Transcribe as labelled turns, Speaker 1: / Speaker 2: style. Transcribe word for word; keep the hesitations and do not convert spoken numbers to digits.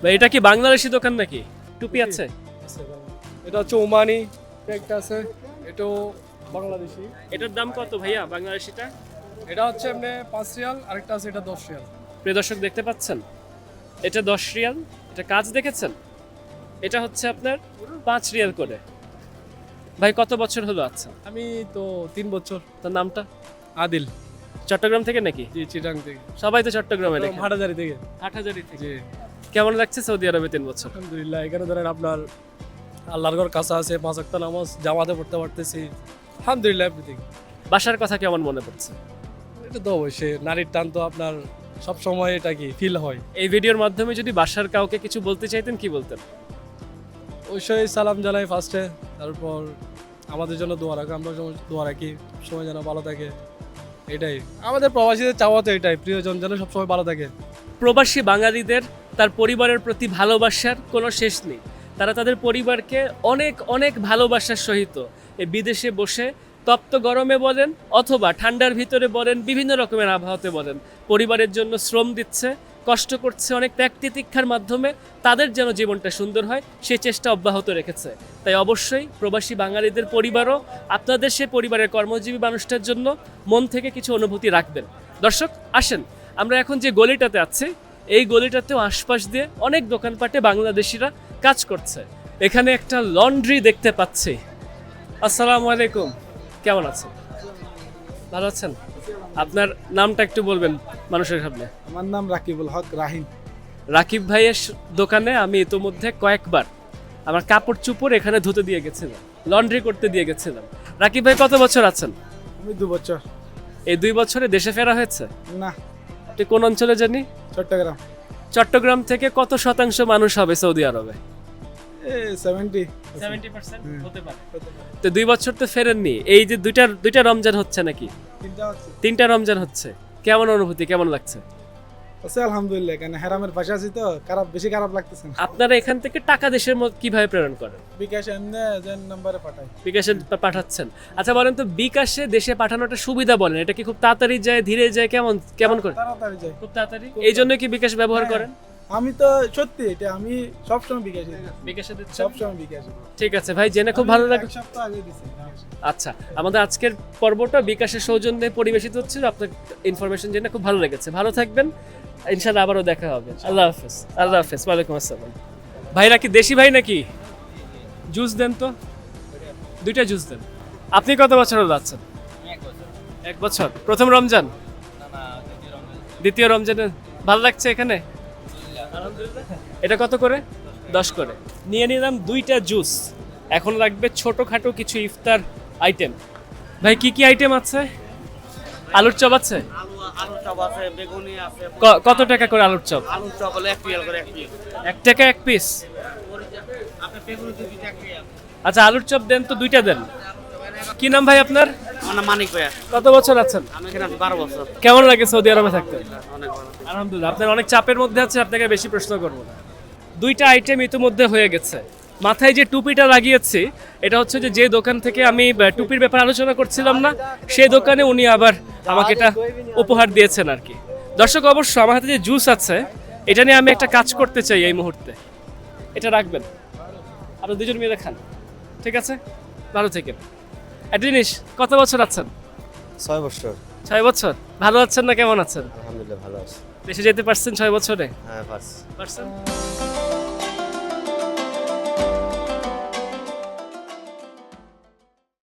Speaker 1: ভাই এটা কি বাংলাদেশি দোকান নাকি? টুপি আছে?
Speaker 2: এটা হচ্ছে ওমানি একটা আছে, এটাও বাংলাদেশি।
Speaker 1: এটার দাম কত ভাইয়া বাংলাদেশিটা?
Speaker 2: এটা হচ্ছে এমনি পাঁচ রিয়াল, আরেকটা আছে এটা দশ রিয়াল।
Speaker 1: প্রিয় দর্শক দেখতে পাচ্ছেন, এটা দশ রিয়াল, এটা কাজ দেখেছেন, এটা হচ্ছে আপনার পাঁচ রিয়াল করে। ভাই কত বছর হলো আচ্ছা?
Speaker 2: আমি তো তিন বছর।
Speaker 1: তার নামটা?
Speaker 2: আদিল।
Speaker 1: চট্টগ্রাম থেকে নাকি?
Speaker 2: জি, চিটাং থেকে।
Speaker 1: সবাই তো চট্টগ্রামে নাকি?
Speaker 2: হাটাজারি থেকে।
Speaker 1: হাটহাজারী থেকে।
Speaker 2: জি,
Speaker 1: কেমন লাগছে সৌদি আরবে তিন বছর?
Speaker 2: আলহামদুলিল্লাহ। এখানে ধরেন আপনার আল্লাহর ঘর কাছে আছে, পাঁচ ওয়াক্ত নামাজ জামাতে পড়তে পারতেছি, আলহামদুলিল্লাহ এভরিথিং।
Speaker 1: বাসার কথা কেমন মনে পড়ছে?
Speaker 2: এটা তো অবশ্যই নারীর টান তো আপনার সব সময় এটা কি ফিল হয়।
Speaker 1: এই ভিডিওর মাধ্যমে যদি বাসার কাউকে কিছু বলতে চাইতেন কি বলতেন?
Speaker 2: অবশ্যই সালাম জানাই ফার্স্টে, তারপর আমাদের জন্য দোয়া রাখো, আমরা যেমন দোয়া রাখি সময় যেন ভালো থাকে। এটাই আমাদের প্রবাসীদের চাওয়া তো এটাই, প্রিয়জন যেন সবসময় ভালো থাকে।
Speaker 1: প্রবাসী বাঙালিদের তার পরিবারের প্রতি ভালোবাসার কোনো শেষ নেই। তারা তাদের পরিবারকে অনেক অনেক ভালোবাসার সহিত এই বিদেশে বসে তপ্ত গরমে বলেন অথবা ঠান্ডার ভিতরে বলেন, বিভিন্ন রকমের আবহাওয়াতে বলেন, পরিবারের জন্য শ্রম দিচ্ছে, কষ্ট করছে, অনেক ত্যাগ তিতিক্ষার মাধ্যমে তাদের যেন জীবনটা সুন্দর হয় সেই চেষ্টা অব্যাহত রেখেছে। তাই অবশ্যই প্রবাসী বাঙালিদের পরিবারও আপনাদের সেই পরিবারের কর্মজীবী মানুষটার জন্য মন থেকে কিছু অনুভূতি রাখবেন। দর্শক আসেন, আমরা এখন যে গলিটাতে আছি এই গলিটাতেও আশপাশ দিয়ে অনেক দোকানপাটে বাংলাদেশিরা কাজ করছে। এখানে একটা লন্ড্রি দেখতে পাচ্ছি। আসসালামু আলাইকুম, কেমন আছেন? ভালো আছেন? আপনার নামটা একটু বলবেন মানুষের সামনে।
Speaker 2: আমার নাম রাকিবুল হক রাহিম।
Speaker 1: রাকিব ভাইয়ের দোকানে আমি ইতোমধ্যে কয়েকবার আমার কাপড় চুপড় এখানে ধুতে দিয়ে গেছিলাম, লন্ড্রি করতে দিয়ে গেছিলাম। রাকিব ভাই কত বছর আছেন?
Speaker 2: আমি দু বছর।
Speaker 1: এই দুই বছরে দেশে ফেরা হয়েছে?
Speaker 2: না,
Speaker 1: আপনি কোন অঞ্চলে জানি?
Speaker 2: চট্টগ্রাম।
Speaker 1: চট্টগ্রাম থেকে কত শতাংশ মানুষ হবে সৌদি আরবে?
Speaker 2: সেভেন্টি
Speaker 1: সেভেন্টি পার্সেন্ট হতে পারে। তো দুই বছর তো ফেরেননি, এই যে দুইটা দুইটা রমজান হচ্ছে নাকি? তিনটা রমজান হচ্ছে, কেমন অনুভূতি, কেমন লাগছে?
Speaker 2: আছে আলহামদুলিল্লাহ। এখানে হেরামের পাশে আছি তো খারাপ, বেশি খারাপ লাগতেছে না।
Speaker 1: আপনারা এখান থেকে টাকা দেশের মধ্যে কিভাবে প্রেরণ করেন?
Speaker 2: বিকাশ এমনি যেন নাম্বারে পাঠাই।
Speaker 1: বিকাশে পা- পাঠাচ্ছেন? আচ্ছা বলেন তো, বিকাশে দেশে পাঠানোটা সুবিধা বলেন, এটা কি খুব তাড়াতাড়ি যায়, ধীরে যায়, কেমন কেমন করে?
Speaker 2: তাড়াতাড়ি যায়।
Speaker 1: খুব তাড়াতাড়ি, এই জন্য কি বিকাশ ব্যবহার করেন?
Speaker 2: আমি তো সত্যি এটা আমি সবসময় বিকাশ
Speaker 1: বিকাশে দিচ্ছেন?
Speaker 2: সবসময় বিকাশ।
Speaker 1: ঠিক আছে ভাই, জেনে খুব ভালো লাগলো।
Speaker 2: এক সপ্তাহ আগে দিছি।
Speaker 1: আচ্ছা, আমাদের আজকের পর্বটা বিকাশের সৌজন্যে পরিবেশিত হচ্ছিল, আপনার ইনফরমেশন জেনে খুব ভালো লেগেছে। ভালো থাকবেন, ইনশাআল্লাহ আবারও দেখা হবে। আল্লাহ হাফেজ। আল্লাহ হাফেজ। ওয়ালাইকুম আসসালাম। ভাইরা কি দেশি ভাই নাকি? জুস দেন তো, দুইটা জুস দেন। আপনি কত বছর হলো আছেন? এক বছর। প্রথম রমজান? দ্বিতীয় রমজানে ভালো লাগছে এখানে? এটা কত করে? দশ করে। নিয়ে নিলাম দুইটা জুস। এখন লাগবে ছোটখাটো কিছু ইফতার আইটেম। ভাই কি কি আইটেম আছে? আলুর চপ আছে?
Speaker 3: আলুর চপ আছে, বেগুনি আছে।
Speaker 1: ক- কত টাকা করে আলুর চপ?
Speaker 3: আলুর চপ হলো এক রিয়াল করে এক পিস।
Speaker 1: এক টাকা এক পিস?
Speaker 3: আপনি বেগুনি দুই পিস এক রিয়াল।
Speaker 1: আচ্ছা আলুর চপ দেন তো, দুইটা দেন। কি নাম ভাই আপনার?
Speaker 3: আমার নাম মানিক ভাইয়া।
Speaker 1: কত বছর আছেন?
Speaker 3: আমি এখানে আছি বারো বছর।
Speaker 1: কেমন লাগে সৌদি আরবে থাকতে?
Speaker 3: অনেক ভালো।
Speaker 1: আলহামদুলিল্লাহ। আপনার অনেক চাপের মধ্যে আছে, আপনাকে বেশি প্রশ্ন করবো না। দুইটা আইটেম ইতিমধ্যে হয়ে গেছে। মাথায় যে টুপিটা লাগিয়েছি এটা হচ্ছে যে যে দোকান থেকে আমি আহ, টুপির ব্যাপারে আলোচনা করছিলাম না, সেই দোকানে উনি আবার আমাকে এটা উপহার দিয়েছেন আর কি। দর্শক অবশ্য আমার হাতে যে জুস আছে এটা নিয়ে আমি একটা কাজ করতে চাই এই মুহূর্তে। এটা রাখবেন, আপনারা দুজন মিলে খান, ঠিক আছে? ভালো থেকেন। একটা জিনিস, কত বছর আছেন?
Speaker 4: ছয় বছর।
Speaker 1: ছয় বছর। ভালো আছেন না কেমন আছেন?
Speaker 4: আলহামদুলিল্লাহ ভালো আছি।
Speaker 1: দেশে যেতে পারছেন ছয় বছরে?
Speaker 4: হ্যাঁ পারছি।
Speaker 1: পারছেন?